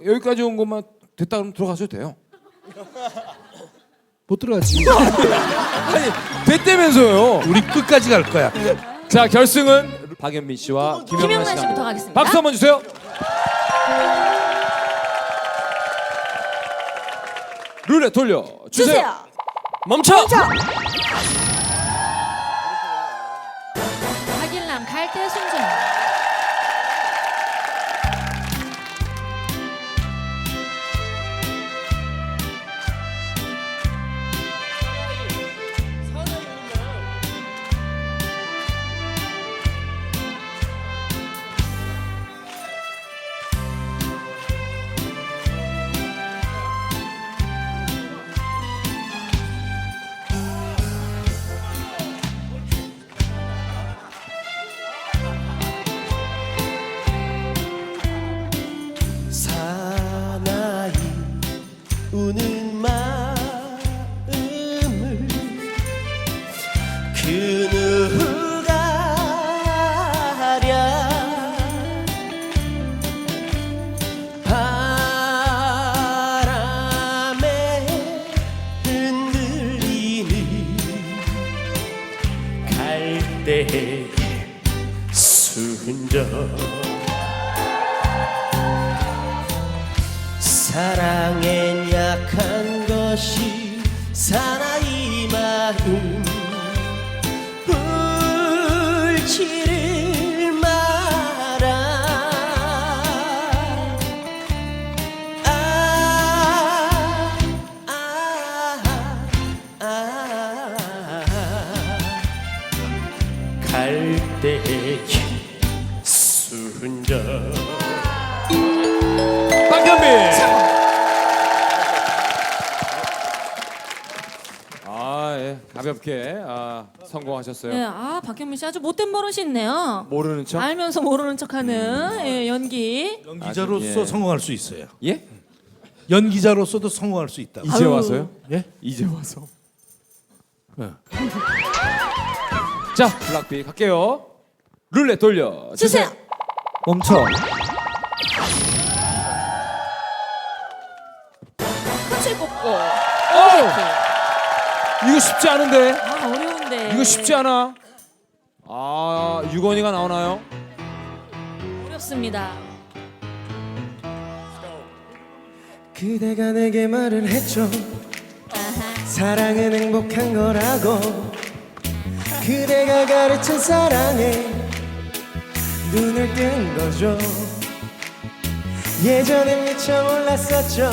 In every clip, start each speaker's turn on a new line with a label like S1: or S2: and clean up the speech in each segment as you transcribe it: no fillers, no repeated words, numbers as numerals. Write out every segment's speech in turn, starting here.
S1: 여기까지 온 것만 됐다 그러면 들어가셔도 돼요.
S2: 못 들어가지.
S1: 아니 됐다면서요.
S2: 우리 끝까지 갈 거야.
S1: 자 결승은 박연민 씨와 김영란
S3: 김영란
S1: 씨가
S3: 씨부터 가겠습니다.
S1: 박수 한번 주세요. 룰렛 돌려 주세요. 멈춰.
S3: 박일남 갈대 순정.
S4: 사나이 우는 마음을 그 누가 알아 바람에 흔들리는 갈대의 순정 사랑엔 약한 것이 사나이 마음 울지를 마라 갈대의 순정
S1: 박연민. 예, 가볍게 성공하셨어요.
S3: 네, 박현민 씨 아주 못된 버릇이 있네요.
S1: 모르는 척?
S3: 알면서 모르는 척하는 예, 연기.
S2: 연기자로서
S1: 예.
S2: 성공할 수 있어요.
S1: 예?
S2: 연기자로서도 성공할 수 있다.
S1: 이제 와서요?
S2: 예?
S1: 이제 와서.
S2: 네.
S1: 자, 블락비 갈게요. 룰렛 돌려
S3: 주세요.
S1: 멈춰.
S3: 끝을 꽂고.
S1: 이거 쉽지 않은데.
S3: 어려운데.
S1: 이거 쉽지 않아. 유건이가 나오나요?
S3: 어렵습니다.
S4: 그대가 내게 말을 했죠 사랑은 행복한 거라고 그대가 가르친 사랑에 눈을 뜬 거죠 예전엔 미처 몰랐었죠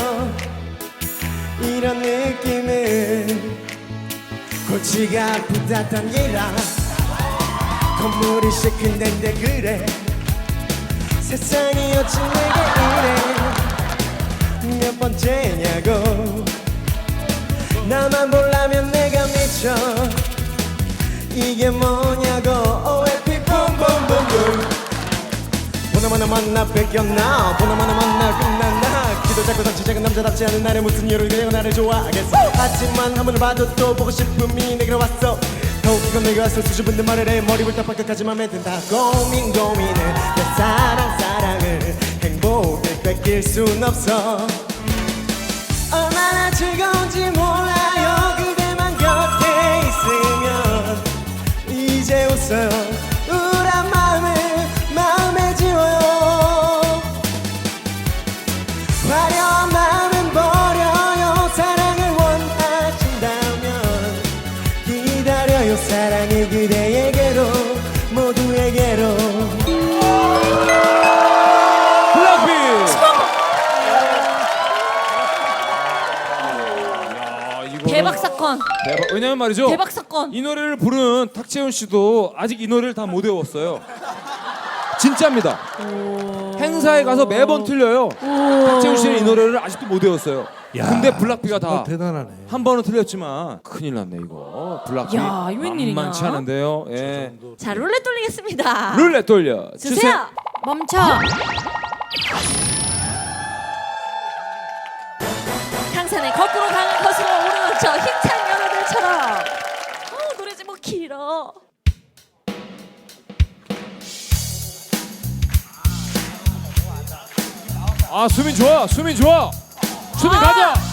S4: 이런 느낌은 골치가 아프다던 기라 건물이 시큰데인데 그래 세상이 어찌 내게 이래 몇 번째냐고 나만 보려면 내가 미쳐 이게 뭐냐고 OFP 붐붐붐붐 보나마나 만나 뺏겼나 보나마나 만나 끝났나 기도 잡고 닥치 작은 남자답지 않은 나를 무슨 이유로 그냥 나를 좋아하겠어 하지만 한 번을 봐도 또 보고 싶음이 내게로 왔어 더욱 이건 내게 와서 수줍은 말을 해 머리부터 발끝까지 맘에 든다 고민을 내 사랑을 행복을 뺏길 순 없어 얼마나 즐거운지 몰라요 그대만 곁에 있으면 이제 웃어요 우울한 마음에 지워요 화려한 마음은 버려요 사랑을 원하신다면 기다려요 사랑이 그대에게로 모두에게로
S1: 블락비.
S3: 대박 사건.
S1: 대박. 왜냐면 말이죠.
S3: 대박 사건.
S1: 이 노래를 부른 탁재훈 씨도 아직 이 노래를 다 못 외웠어요. 진짜입니다. 행사에 가서 매번 틀려요. 탁재훈 씨는 이 노래를 아직도 못 외웠어요.
S2: 야,
S1: 근데 블락비가 다
S2: 대단하네.
S1: 한 번은 틀렸지만 큰일 났네 이거. 블락비
S3: 야, 이거 웬일이냐?
S1: 만만치 않은데요. 예.
S3: 자, 룰렛 돌리겠습니다.
S1: 룰렛 돌려
S3: 주세요. 멈춰. 강산에 거꾸로 가는 것으로 오르는 저 힘찬 여러들처럼. 노래 제목 길어.
S1: 수민 좋아. 수민 좋아. 수민 가자.